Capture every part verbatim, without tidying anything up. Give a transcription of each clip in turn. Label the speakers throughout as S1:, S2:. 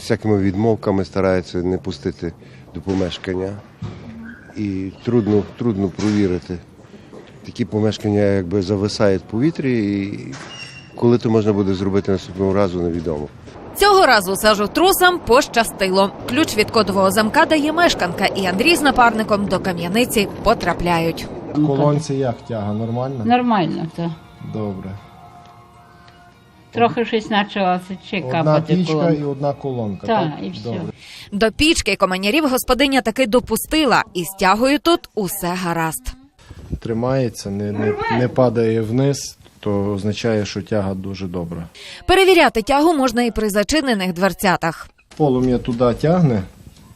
S1: всякими відмовками стараються не пустити до помешкання. І трудно, трудно провірити. Такі помешкання якби зависають в повітрі, і коли це можна буде зробити наступного разу, невідомо.
S2: Цього разу сажотрусам пощастило. Ключ від кодового замка дає мешканка, і Андрій з напарником до кам'яниці потрапляють.
S3: В колонці як тяга? Нормально?
S4: Нормально, так.
S3: Добре.
S4: Трохи щось почало чекати.
S3: Одна пічка і одна колонка,
S4: так?
S3: Так,
S4: і все.
S3: Добре.
S2: До пічки команярів господиня таки допустила, і з тягою тут усе гаразд.
S3: Тримається, не, не, не падає вниз, то означає, що тяга дуже добра.
S2: Перевіряти тягу можна і при зачинених дверцятах.
S3: Полум'я туди тягне,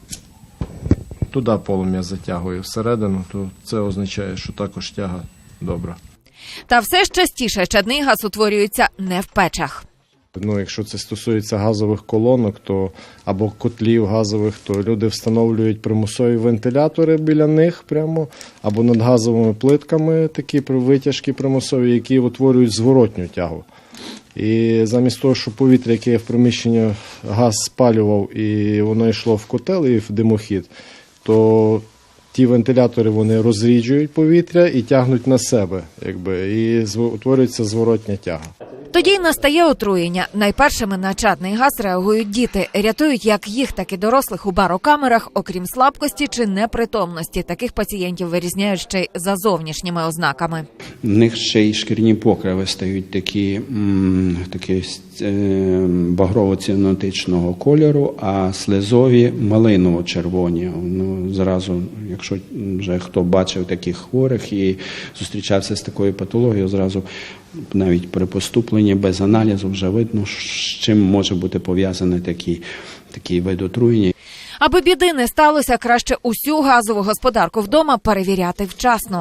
S3: туди полум'я затягує всередину, то це означає, що також тяга добра.
S2: Та все ж частіше чадний газ утворюється не в печах.
S3: Ну, якщо це стосується газових колонок, то або котлів газових, то люди встановлюють примусові вентилятори біля них прямо, або над газовими плитками такі витяжки примусові, які утворюють зворотню тягу. І замість того, щоб повітря, яке в приміщенні газ спалював, і воно йшло в котел і в димохід, то ті вентилятори вони розріджують повітря і тягнуть на себе, якби, і утворюється зворотня тяга.
S2: Тоді й настає отруєння. Найпершими на чадний газ реагують діти. Рятують як їх, так і дорослих у барокамерах, окрім слабкості чи непритомності. Таких пацієнтів вирізняють ще й за зовнішніми ознаками.
S5: В них ще й шкірні покриви стають такі, м, такі е, багрово-цінотичного кольору, а слизові малиново-червоні. Ну, зразу, якщо вже хто бачив таких хворих і зустрічався з такою патологією, зразу навіть при поступленні без аналізу вже видно, з чим може бути пов'язаний такий, такий вид отруєння.
S2: Аби біди не сталося, краще усю газову господарку вдома перевіряти вчасно.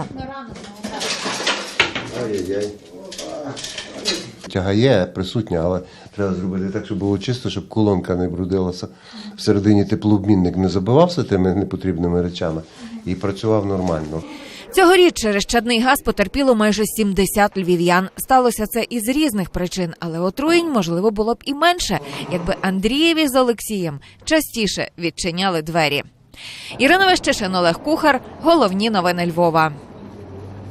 S1: Ай-яй-яй. Тяга є присутня, але треба зробити так, щоб було чисто, щоб колонка не брудилася. Всередині теплообмінник не забивався тими непотрібними речами і працював нормально.
S2: Цьогоріч через чадний газ потерпіло майже сімдесят львів'ян. Сталося це із різних причин, але отруєнь, можливо, було б і менше, якби Андрієві з Олексієм частіше відчиняли двері. Ірина Вещишин, Олег Кухар. Головні новини Львова.